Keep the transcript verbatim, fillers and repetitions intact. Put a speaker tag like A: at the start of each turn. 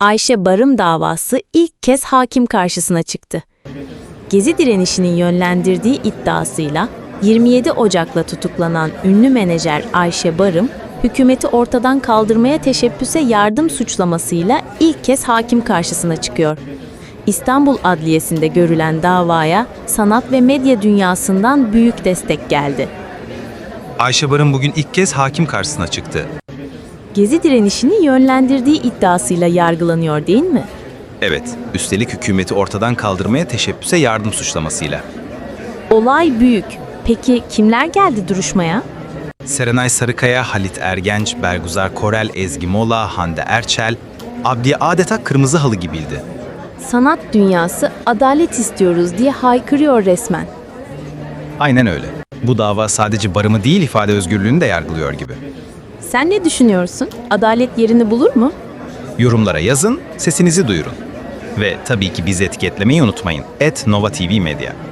A: Ayşe Barım davası ilk kez hakim karşısına çıktı. Gezi direnişinin yönlendirdiği iddiasıyla yirmi yedi Ocak'la tutuklanan ünlü menajer Ayşe Barım, hükümeti ortadan kaldırmaya teşebbüse yardım suçlamasıyla ilk kez hakim karşısına çıkıyor. İstanbul Adliyesi'nde görülen davaya sanat ve medya dünyasından büyük destek geldi.
B: Ayşe Barım bugün ilk kez hakim karşısına çıktı.
A: Gezi direnişini yönlendirdiği iddiasıyla yargılanıyor değil mi?
B: Evet, üstelik hükümeti ortadan kaldırmaya teşebbüse yardım suçlamasıyla.
A: Olay büyük. Peki kimler geldi duruşmaya?
B: Serenay Sarıkaya, Halit Ergenç, Bergüzar Korel, Ezgi Mola, Hande Erçel, adliye adeta kırmızı halı gibiydi.
A: Sanat dünyası adalet istiyoruz diye haykırıyor resmen.
B: Aynen öyle. Bu dava sadece Barım'ı değil ifade özgürlüğünü de yargılıyor gibi.
A: Sen ne düşünüyorsun? Adalet yerini bulur mu?
B: Yorumlara yazın, sesinizi duyurun. Ve tabii ki bizi etiketlemeyi unutmayın. et nova tv medya.